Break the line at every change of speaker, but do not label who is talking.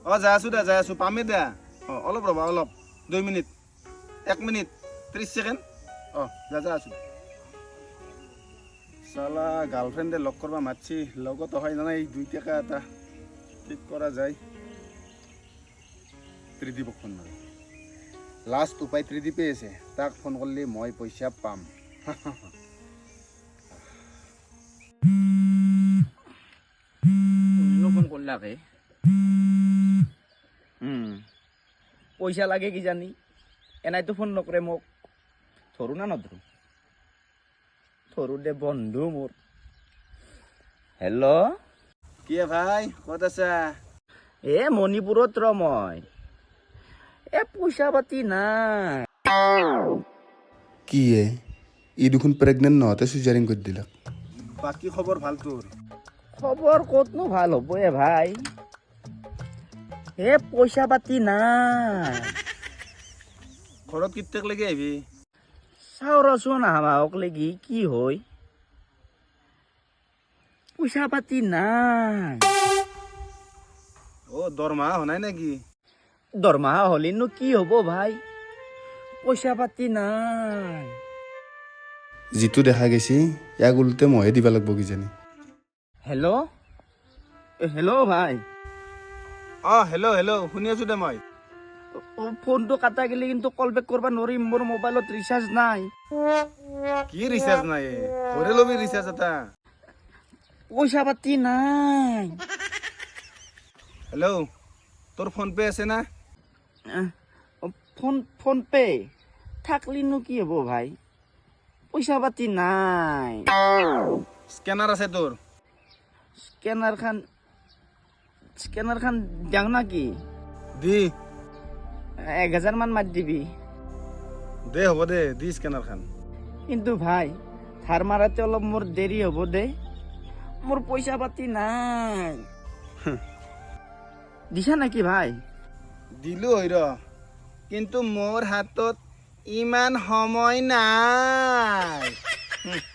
অঁ যাই আছোঁ পামেই দে অলপ ৰ'বা অলপ 2 মিনিট 1 মিনিট 30 ছেকেণ্ড অঁ যা আছোঁ চালা গাৰ্লফ্ৰেণ্ডে লগ কৰিব মাতছি লগত হয় জানাই 2 টকা এটা ঠিক কৰা যায় ত্ৰিদীপক ফোন মাৰোঁ লাষ্ট উপায় ত্ৰিদীপে আছে তাক ফোন কৰিলে মই পইচা পাম
ফোন করলাকে পয়সা লাগে কি জানি এনাই তো ফোন নকরে মোক ধরু না নধরু ধরু দে বন্ধু মোর হেল্ল'
কি ভাই ক'ত আছা
এ মণিপুরত মই এ পয়সা পাতি নাই
কি ই দেখোন প্ৰেগনেণ্ট নহওঁতে চিজাৰিং কৰি দিলাক
বাকী খবৰ ভাল তোৰ
খবর কতনো ভাল হব এ ভাই এ পয়সা পাতি নাই
ঘৰত কিত্যেক লাগি আহিবি
চাও ৰচোন আমাক লাগি কি হয় পয়সা পাতি নাই
অ' দৰমহা হোৱা নাই নেকি
দৰমহা হলেনো কি হব ভাই পয়সা পাতি নাই
যিটো দেখা গৈছে ইয়াক ওলোতে ময়ে দিব লাগিব কিজানি
হেল্ল' হেল্ল' ভাই
অঁ হেল্ল' শুনি আছোঁ দে মই
ফোনটো কাটা গেলে কিন্তু কল বেক কৰিব নোৱাৰিম মোৰ মোবাইলত ৰিচাৰ্জ নাই
কি ৰিচাৰ্জ নাই ঘৰে ল'বি ৰিচাৰ্জ এটা
পইচা পাতি নাই
হেল্ল' তোৰ ফোন পে' আছে না
ফোন পে থাকলিনো কি হ'ব ভাই পইচা পাতি নাই
স্কেনাৰ আছে তোৰ
স্কেনাৰ খান দিয়াং নাকি
দি
1000 মান মাৰি দিবি
দে হ'ব দে দি স্কেনাৰখন
কিন্তু ভাই ধাৰ মাৰাতে অলপ মোৰ দেৰি হ'ব দে মোৰ পইচা পাতি নাই দিছা নেকি ভাই
দিলোঁ হয় ৰ কিন্তু মোৰ হাতত ইমান সময় নাই